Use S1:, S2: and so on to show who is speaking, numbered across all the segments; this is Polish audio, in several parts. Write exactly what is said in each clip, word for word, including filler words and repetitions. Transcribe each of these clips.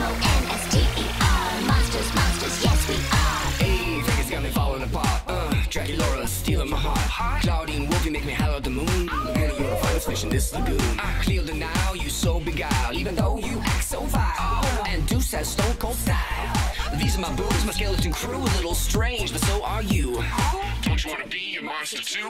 S1: M O N S T E R. Monsters, monsters, yes we are.
S2: Hey, Vegas got me falling apart. Uh, Draculaura stealing my heart. Claudine Wolfie make me holler at the moon. Girl, you're the finest fish in this lagoon. I clear the Nile, you so beguiled, even though you act so vile. And Deuce has stone cold style. These are my boobs, my skeleton crew, a little strange, but so are you. Don't you wanna be a monster too?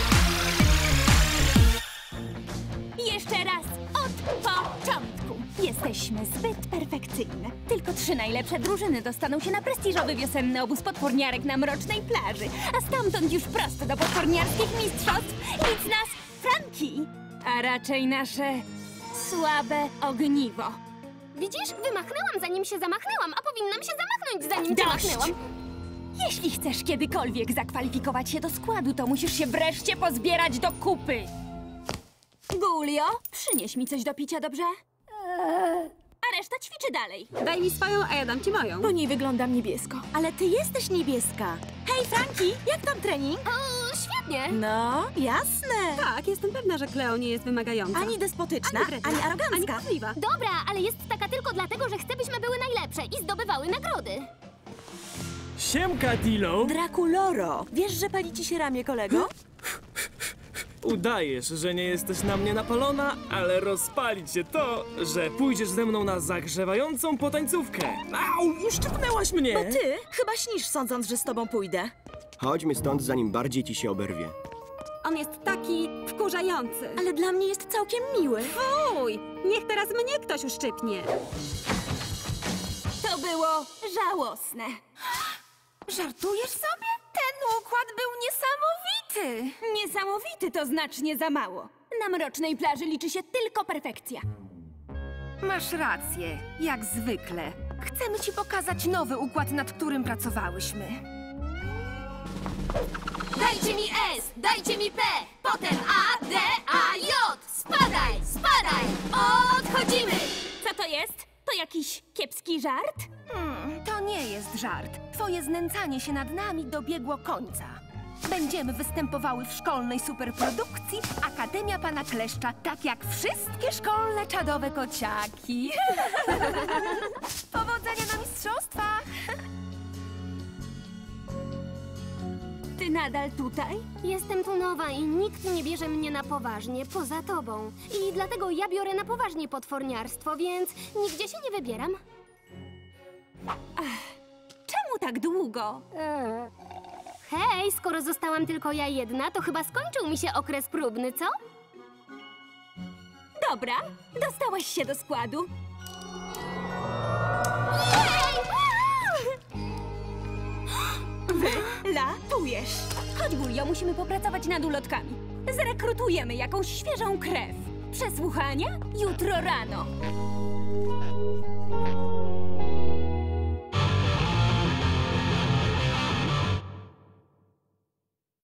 S3: Jeszcze raz, od początku. Jesteśmy zbyt perfekcyjne. Tylko trzy najlepsze drużyny dostaną się na prestiżowy wiosenny obóz potworniarek na Mrocznej Plaży, a stamtąd już prosto do potworniarskich mistrzostw nic nas Franki, a raczej nasze słabe ogniwo.
S4: Widzisz, wymachnęłam zanim się zamachnęłam, a powinnam się zamachnąć zanim cię
S3: Dość!
S4: machnęłam.
S3: Jeśli chcesz kiedykolwiek zakwalifikować się do składu, to musisz się wreszcie pozbierać do kupy. Gulio, przynieś mi coś do picia, dobrze? A reszta ćwiczy dalej.
S5: Daj mi swoją, a ja dam ci moją.
S3: Po niej wyglądam niebiesko.
S6: Ale ty jesteś niebieska. Hej, Franki, jak tam trening?
S4: O, świetnie.
S6: No, jasne.
S5: Tak, jestem pewna, że Cleo nie jest wymagająca.
S6: Ani despotyczna,
S5: Ani wredna,
S6: ani arogancka.
S5: ani kłamliwa.
S4: Dobra, ale jest taka tylko dlatego, że chce, byśmy były najlepsze i zdobywały nagrody.
S7: Siemka, Dilo!
S6: Drakuloro, wiesz, że pali ci się ramię, kolego?
S7: Udajesz, że nie jesteś na mnie napalona, ale rozpali cię to, że pójdziesz ze mną na zagrzewającą potańcówkę. Au, uszczypnęłaś mnie!
S6: Bo ty chyba śnisz, sądząc, że z tobą pójdę.
S8: Chodźmy stąd, zanim bardziej ci się oberwie.
S5: On jest taki wkurzający.
S6: Ale dla mnie jest całkiem miły.
S5: Fuj! Niech teraz mnie ktoś uszczypnie.
S3: To było żałosne.
S9: Żartujesz sobie? Ten układ był niesamowity!
S3: Niesamowity to znacznie za mało. Na Mrocznej Plaży liczy się tylko perfekcja.
S9: Masz rację, jak zwykle. Chcemy ci pokazać nowy układ, nad którym pracowałyśmy.
S4: Dajcie mi S, dajcie mi P, potem A, D, A, J. Spadaj, spadaj, odchodzimy.
S3: Co to jest? To jakiś kiepski żart?
S9: Hmm, to nie jest żart. Twoje znęcanie się nad nami dobiegło końca. Będziemy występowały w szkolnej superprodukcji Akademia Pana Kleszcza, tak jak wszystkie szkolne czadowe kociaki. Powodzenia na mistrzostwach!
S3: Ty nadal tutaj?
S4: Jestem tu nowa i nikt nie bierze mnie na poważnie, poza tobą. I dlatego ja biorę na poważnie potworniarstwo, więc nigdzie się nie wybieram.
S3: Czemu tak długo?
S4: Hej, skoro zostałam tylko ja jedna, to chyba skończył mi się okres próbny, co?
S3: Dobra, dostałaś się do składu. Wylatujesz. Chodź, Gulio, musimy popracować nad ulotkami. Zrekrutujemy jakąś świeżą krew. Przesłuchania jutro rano.